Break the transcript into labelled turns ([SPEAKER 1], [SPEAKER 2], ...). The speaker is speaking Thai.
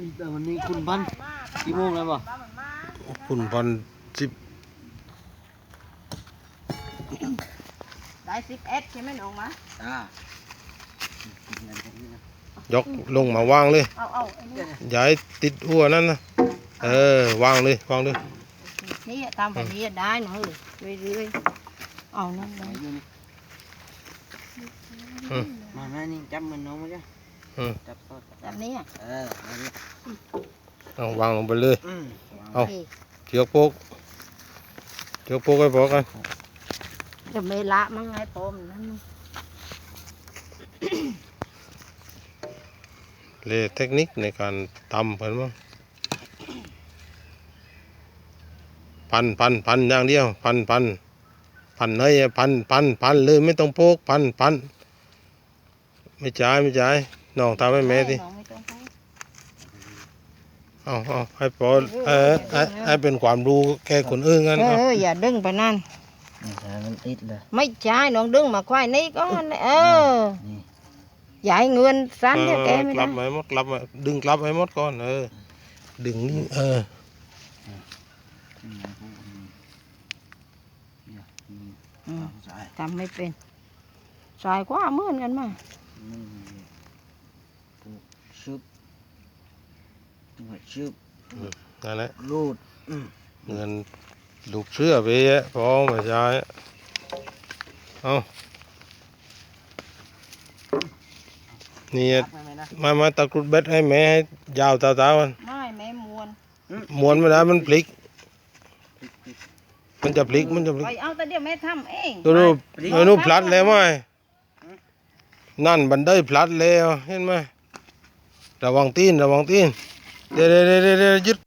[SPEAKER 1] แต่วันนี้คุณพันกี่โมงแล้วบ่
[SPEAKER 2] คุณพันสิบ
[SPEAKER 3] ได้11ใช่ไหมน้องมะ
[SPEAKER 2] ยกลงมาวางเลย
[SPEAKER 3] เอาไอ้นี่
[SPEAKER 2] อย่าให้ติดหัวนั่นนะวางเลยวางเลย
[SPEAKER 3] นี่ทำแบบนี้ได้หน่อยเรื่อยๆเอานั่นเลย
[SPEAKER 1] มาแม่นี่จับมันน้องมาจ้ะจับต่อ
[SPEAKER 3] แบบนี้
[SPEAKER 1] มาดิ
[SPEAKER 2] เอาวางลงไปเลยเอาเชือกโป๊กให้พอกัน
[SPEAKER 3] จะไม่ละมั้งไงปมนั่น
[SPEAKER 2] เลยเทคนิคในการทำเพิ่นมั้งพันอย่างเดียวพันเลยพันเลยไม่ต้องโป๊กพันไม่จ่ายน้องทำให้แม่ดิเอาให้พอให้เป็นความรู้แก่คนอื่นกัน
[SPEAKER 3] อย่าดึงไปนั่น
[SPEAKER 1] มันติดเลย
[SPEAKER 3] ไม่ใช่น้องดึงมาควายนี่ก็ใหญ่เงินสั้นเดียวแกไม่ได้
[SPEAKER 2] กลับให้หมดดึงกลับให้หมดก่อนดึงนี่
[SPEAKER 3] ทำไม่เป็นสายกว่าเหมือนกันมา
[SPEAKER 1] ชึบ
[SPEAKER 2] นั่นแหละ
[SPEAKER 1] รูด
[SPEAKER 2] เงินลูกเชื่อไปพอมาใช้เอานี่มาตะกรุดเบ็ดให้แม่ให้ยาวตามัน
[SPEAKER 3] ไม่แม่
[SPEAKER 2] ม้วนไม่ได้มันพลิกมันจะพลิก
[SPEAKER 3] ไปเอาแต่เดี๋ยวแม่ทำเอง
[SPEAKER 2] ดูพลัดแล้วไหมนั่นบันไดพลัดแล้วเห็นไหมระวังตีนเดี๋ยวยึด